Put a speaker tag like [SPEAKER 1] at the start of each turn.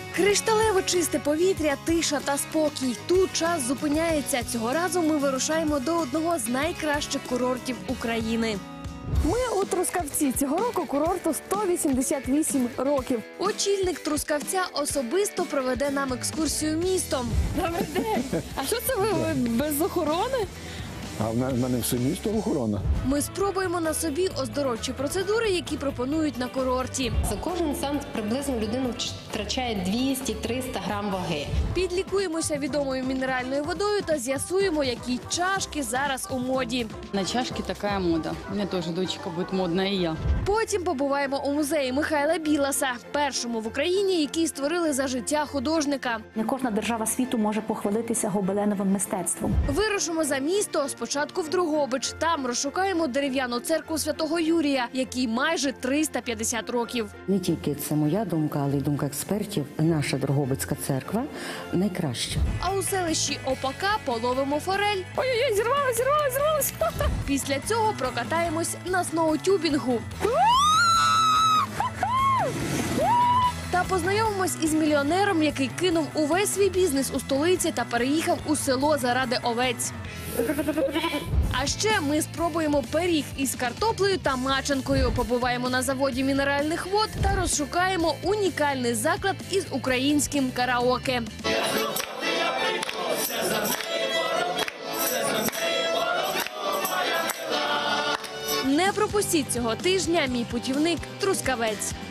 [SPEAKER 1] Кришталево чисте повітря, тиша та спокій. Тут час зупиняється. Цього разу ми вирушаємо до одного з найкращих курортів України. Ми у Трускавці. Цього року курорту 188 років. Очільник Трускавця особисто проведе нам екскурсію містом. Добрий день! А що це ви без охорони?
[SPEAKER 2] А в мене все місто охорона.
[SPEAKER 1] Ми спробуємо на собі оздоровчі процедури, які пропонують на курорті.
[SPEAKER 3] За кожен сеанс приблизно людина втрачає 200-300 грам ваги.
[SPEAKER 1] Підлікуємося відомою мінеральною водою та з'ясуємо, які чашки зараз у моді.
[SPEAKER 4] На чашки такая мода. У меня тоже дочка будет модная, и я.
[SPEAKER 1] Потім побуваємо у музеї Михайла Біласа, першому в Україні, який створили за життя художника.
[SPEAKER 5] Не кожна держава світу може похвалитися гобеленовим мистецтвом.
[SPEAKER 1] Вирушимо за місто, спочатку в Дрогобич. Там розшукаємо дерев'яну церкву Святого Юрія, якій майже 350 років.
[SPEAKER 6] Не тільки це моя думка, але й думка експертів. Наша Дрогобицька церква найкраща.
[SPEAKER 1] А у селищі Опака половимо форель. Ой-ой-ой, зірвалась! Після цього прокатаємось на сноутюбінгу. Та познайомимось із мільйонером, який кинув увесь свій бізнес у столиці та переїхав у село заради овець. А ще ми спробуємо пиріг із картоплею та маченкою, побуваємо на заводі мінеральних вод та розшукаємо унікальний заклад із українським караоке. Не пропустіть цього тижня мій путівник Трускавець.